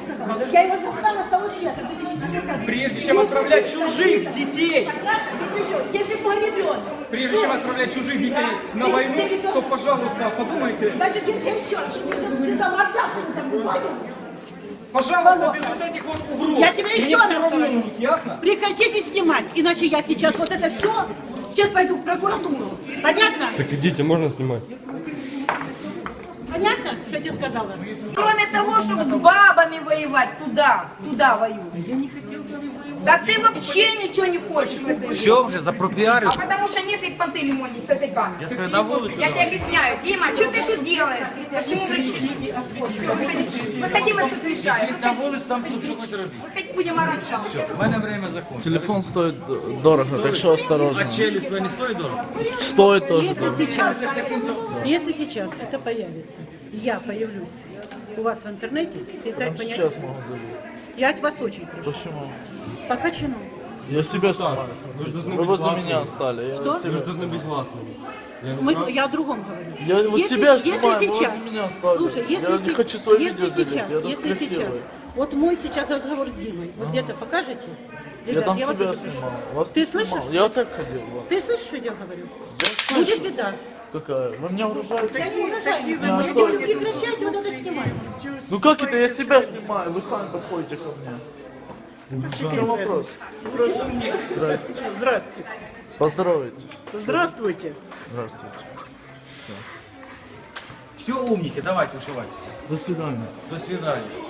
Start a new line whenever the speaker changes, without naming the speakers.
сказала? Я его застала с того света, 2004.
Прежде чем отправлять чужих детей,
Если бы мой ребенок.
прежде чем отправлять чужих детей на войну, то, пожалуйста, подумайте,
Значит, если я еще раз, я сейчас за мордяку не забываю.
пожалуйста, без вот этих вот угроз.
Я тебе еще
Мне
раз
все равно
говорю.
на них, ясно?
Прекратите снимать, иначе я сейчас вот это все, сейчас пойду в прокуратуру. Понятно?
Так идите, можно снимать.
Понятно, что я тебе сказала?
Кроме того, чтобы с бабами воевать, туда воюют. Я не хотел с вами воевать. Да ты вообще ничего не хочешь в этой жизни.
Все уже, запропиарился.
А потому что нефиг понты лимонить с этой камерой.
Я сказал, на улицу.
Я тебе объясняю. Дима, что ты тут делаешь? Почему решили? Выходи, мы тут мешаем.
На вулицю там що хоч робити.
Выходи, будем орать.
У мене время закончилось.
Телефон стоит дорого, так что осторожно.
А челюсть не стоїть дорого?
Стоит тоже
Если
дорого.
сейчас это появится, я появлюсь у вас в интернете, и так
Прямо
понять,
сейчас могу забить.
я от вас очень прошу.
Почему?
По качану.
Я себя снимаю. Вы возле меня стали. Я
Что?
себя
Должны быть гласными.
Я о другом говорю.
Я вот
Если-
себя
если
снимаю, вы
сейчас-
возле меня стали.
Слушай, если,
Я не хочу свое
если
видео залить,
сейчас,
я тут
если сейчас,
красивый.
вот мой сейчас разговор с Димой, вот где-то покажете?
Я
Ребят,
там
вас
себя
очень прошу.
снимал. Вас
Ты
не снимал.
слышишь?
Я вот так ходил. Вот.
Ты слышишь, что я говорю?
Я
Будет
слышу.
беда.
Какая? Вы меня угрожаете?
Я не угрожаю.
А
Я
что
говорю,
это?
прекращайте вот это снимать.
Ну как это? Я себя снимаю, вы сами подходите ко мне. В чем вопрос? Здравствуйте.
Здравствуйте.
Поздоровайтесь.
Здравствуйте.
Здравствуйте.
Все умники, давайте ушивайте.
До свидания.
До свидания.